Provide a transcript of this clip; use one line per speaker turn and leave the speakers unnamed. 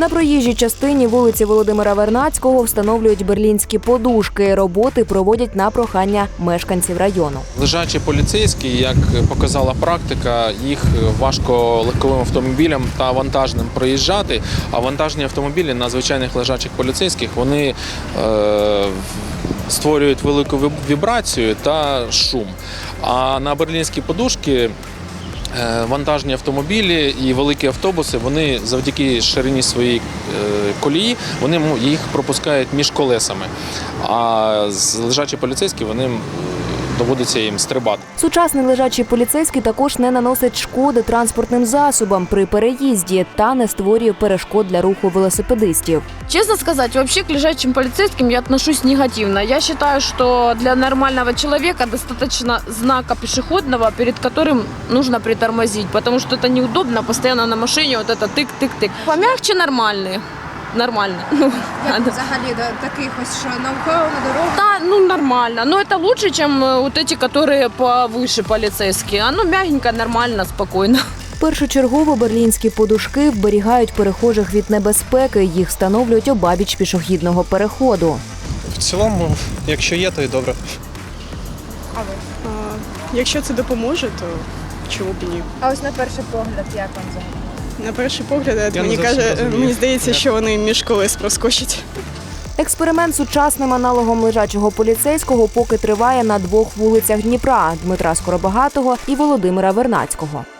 На проїжджій частині вулиці Володимира Вернадського встановлюють берлінські подушки. Роботи проводять на прохання мешканців району.
Лежачі поліцейські, як показала практика, їх важко легковим автомобілям та вантажним проїжджати, а вантажні автомобілі на звичайних лежачих поліцейських, вони створюють велику вібрацію та шум. А на берлінські подушки вантажні автомобілі і великі автобуси, вони завдяки ширині своєї колії, вони їх пропускають між колесами. А лежачі поліцейські, вони доводиться їм стрибати.
Сучасний лежачий поліцейський також не наносить шкоди транспортним засобам при переїзді та не створює перешкод для руху велосипедистів.
Честно сказать, вообще к лежачим полицейским я отношусь негативно. Я считаю, что для нормального человека достаточно знака пешеходного, перед которым нужно притормозить, потому что это неудобно, постоянно на машине вот это тык-тык-тык. Помягче нормальные. Нормально.
Взагалі до таких ось, що навколо на дорогу?
Да, нормально. Но это лучше, чем вот эти, которые повыше полицейские. Оно мягенько, нормально, спокойно.
Першочергово берлінські подушки вберігають перехожих від небезпеки. Їх встановлюють обабіч пішохідного переходу.
В цілому, якщо є, то і добре.
А ви?
Якщо це допоможе, то чому б і ні?
А ось на перший погляд, як вам взагалі?
На перший погляд,
Я не зовсім розумію.
мені здається, що вони між колес проскочать.
Експеримент з сучасним аналогом лежачого поліцейського поки триває на двох вулицях Дніпра – Дмитра Скоробагатого і Володимира Вернадського.